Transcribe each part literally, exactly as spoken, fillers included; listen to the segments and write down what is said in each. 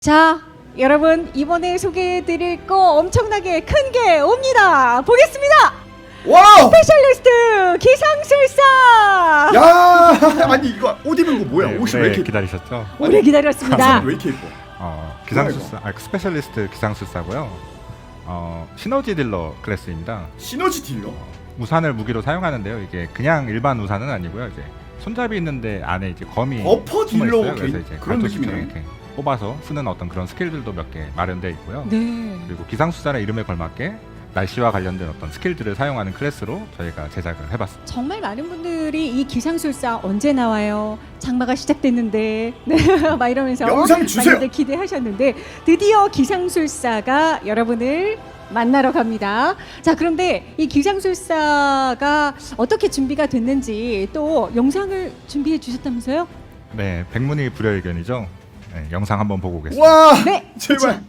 자, 여러분 이번에 소개해드릴 거 엄청나게 큰 게 옵니다. 보겠습니다. 와우! 스페셜리스트 기상술사. 야, 아니 이거 옷 입은 거 뭐야? 네, 옷이 오래 왜 이렇게 기다리셨죠? 오래 기다렸습니다. 가슴이 왜 이렇게 예뻐? 어, 기상술사, 아, 스페셜리스트 기상술사고요. 어, 시너지 딜러 클래스입니다. 시너지 딜러? 우산을 무기로 사용하는데요. 이게 그냥 일반 우산은 아니고요. 이제 손잡이 있는데 안에 이제 검이 버퍼 숨어 딜러 있어요. 그래서 게- 이제 그런 갈도수처럼 느낌이네. 이렇게 뽑아서 쓰는 어떤 그런 스킬들도 몇 개 마련되어 있고요. 네. 그리고 기상술사의 이름에 걸맞게 날씨와 관련된 어떤 스킬들을 사용하는 클래스로 저희가 제작을 해봤습니다. 정말 많은 분들이 이 기상술사 언제 나와요? 장마가 시작됐는데 네, 막 이러면서 영상 주세요. 많이들 기대하셨는데 드디어 기상술사가 여러분을 만나러 갑니다. 자, 그런데 이 기상술사가 어떻게 준비가 됐는지 또 영상을 준비해 주셨다면서요? 네, 백문이 불여일견이죠. 네, 영상 한번 보고 오겠습니다. 와! 네, 제발. 자,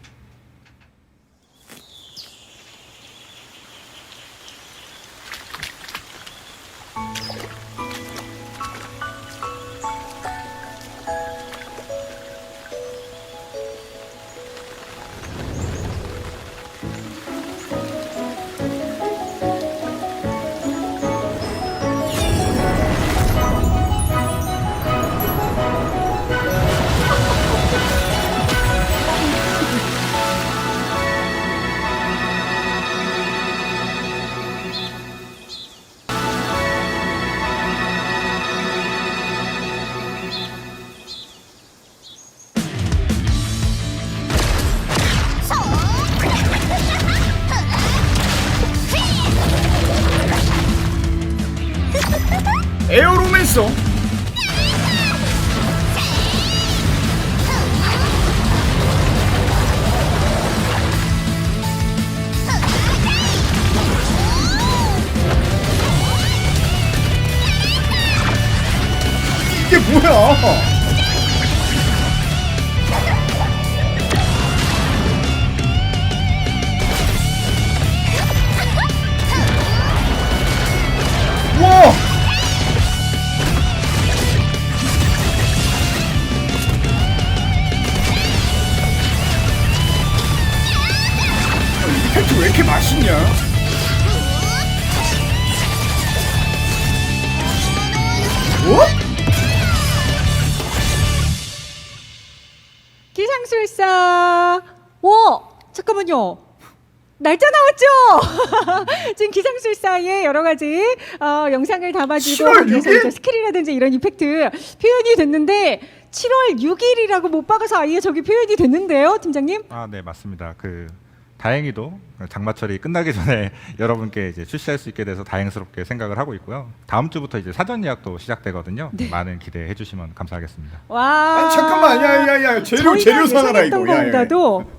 에어로맨서. 이게 뭐야? 와! 이 팩트 왜 이렇게 맛있냐? 뭐? 기상술사. 오, 잠깐만요. 날짜 나왔죠? 지금 기상술사의 여러 가지 어, 영상을 담아주고 칠월 거기에서 육 일? 이제 스킬이라든지 이런 이펙트 표현이 됐는데 칠월 육일이라고 못 박아서 아예 저기 표현이 됐는데요, 팀장님? 아, 네, 맞습니다. 그 다행히도 장마철이 끝나기 전에 여러분께 이제 출시할 수 있게 돼서 다행스럽게 생각을 하고 있고요. 다음 주부터 이제 사전 예약도 시작되거든요. 네. 많은 기대해 주시면 감사하겠습니다. 와. 아니 잠깐만, 야야야, 재료 저희가 재료 사놔라 예상했던 이거. 야, 야, 야. 것보다도